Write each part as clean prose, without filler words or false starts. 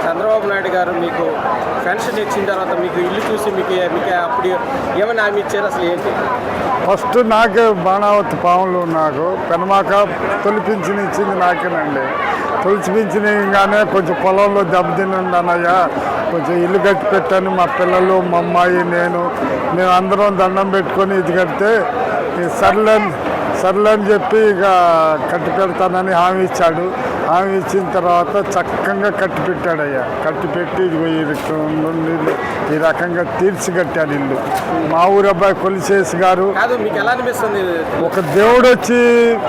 చంద్రబాబు నాయుడు గారు మీకు పెన్షన్ ఇచ్చిన తర్వాత మీకు ఇల్లు చూసి మీకు అప్పుడు ఏమైనా హామీ ఇచ్చారు? అసలు ఏంటి? ఫస్ట్ నాకే బాణావతి పాములు నాకు పెనమాక తొలి పింఛన్ ఇచ్చింది నాకేనండి. తొలి పింఛన్గానే కొంచెం పొలంలో దెబ్బతినండి అన్నయ్య, కొంచెం ఇల్లు కట్టి పెట్టాను. మా పిల్లలు, మా అమ్మాయి, మేము అందరం దండం పెట్టుకొని ఇది కడితే సర్లే అని చెప్పి ఇక కట్టి పెడతానని హామీ ఇచ్చాడు. హామీ ఇచ్చిన తర్వాత చక్కగా కట్టి పెట్టాడయ్యా. కట్టి పెట్టి ఈ రకంగా తీర్చి కట్టాడు ఇల్లు. మా ఊరు అబ్బాయి కొలిసేసి గారు మీకు ఎలా అనిపిస్తుంది? ఒక దేవుడు వచ్చి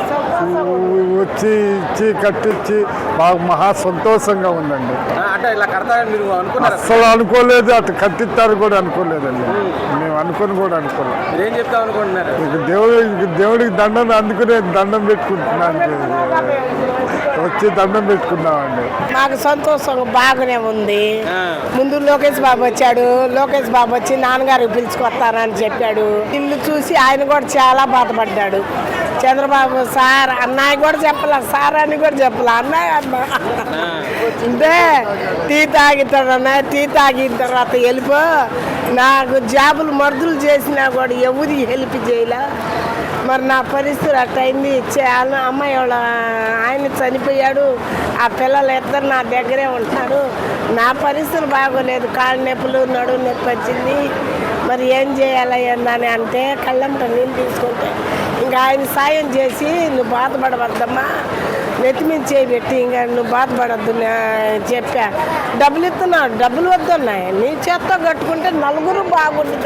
ఇచ్చి కట్టించి బాగా మహా సంతోషంగా ఉందండి. అంటే ఇలా కడతారని మీరు అనుకున్నారు? అస్సలు అనుకోలేదు, అటు కట్టిస్తారు కూడా అనుకోలేదండి. మేము అనుకొని కూడా అనుకోలేదు. ఏం చెప్తాం అనుకుంటున్నారు? దేవుడికి అందుకునే దండం పెట్టుకుంటున్నాను, వచ్చి దండం పెట్టుకున్నామండి. మాకు సంతోషం బాగానే ఉంది. ముందు లోకేష్ బాబు వచ్చాడు. లోకేష్ బాబు వచ్చి నాన్నగారికి పిలుచుకొస్తానని చెప్పాడు. ఇల్లు చూసి ఆయన కూడా చాలా బాధపడ్డాడు. చంద్రబాబు సార్ అన్నయ్య కూడా చెప్పలే, సార్ అని కూడా చెప్పలే, అన్నయ్య అన్న అంటే టీ తాగుతాడు అన్నయ్య. టీ తాగిన తర్వాత వెళ్ళిపో, నాకు జాబులు మర్దులు చేసినా కూడా ఎవరి హెల్ప్ చేయలే. మరి నా పరిస్థితి అట్టయింది. అమ్మాయి వాళ్ళ ఆయన చనిపోయాడు. ఆ పిల్లలు ఇద్దరు నా దగ్గరే ఉంటున్నారు. నా పరిస్థితులు బాగోలేదు. కాళ్ళ నొప్పులు, నడుము నొప్పి వచ్చింది. మరి ఏం చేయాలి ఏందని అంటే కళ్ళంట నీళ్ళు తీసుకుంటే ఇంకా ఆయన సాయం చేసి, నువ్వు బాధపడవద్దమ్మా, నెత్తిమీద చేయబెట్టి ఇంకా నువ్వు బాధపడద్దు చెప్పా. డబ్బులు ఇస్తున్నాడు, డబ్బులు వద్దున్నాయి, నీ చేత్తో కట్టుకుంటే నలుగురు బాగుంటుంది.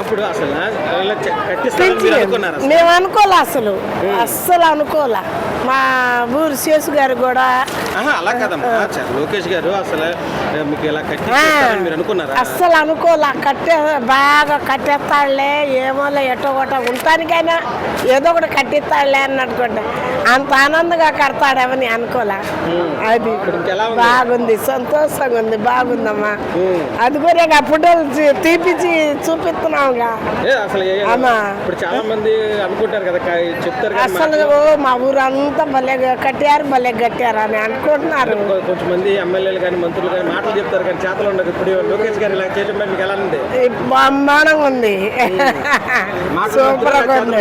మేము అనుకోలే, అస్సలు అనుకోలే. మా ఊరు శేషు గారు కూడా లోకేష్ గారు అస్సలు అనుకోలే. బాగా కట్టేస్తాడులే, ఏమోలే ఎటో ఒకటో ఉంటానికైనా ఏదో ఒకటి కట్టిస్తాడులే అన్నట్టుకుంటా. అంత ఆనందంగా కడతాడేమని అనుకోలే. అది బాగుంది, సంతోషంగా ఉంది, బాగుందమ్మా. అది కూడా అప్పుడు తీపిచ్చి చూపిస్తున్నావుగా అమ్మా. అసలు మా ఊరు అంతా భలే కట్టారు అని అనుకుంటున్నారు. కొంతమంది ఎమ్మెల్యేలు కానీ మంత్రులు కానీ మాటలు చెప్తారు కానీ చేతలు ఉండదు. ఇప్పుడు లోకేష్ గారు ఇలా చేయడం మీకు ఎలా ఉంది? బ్రహ్మాండంగా ఉంది, సూపర్ గా ఉంది.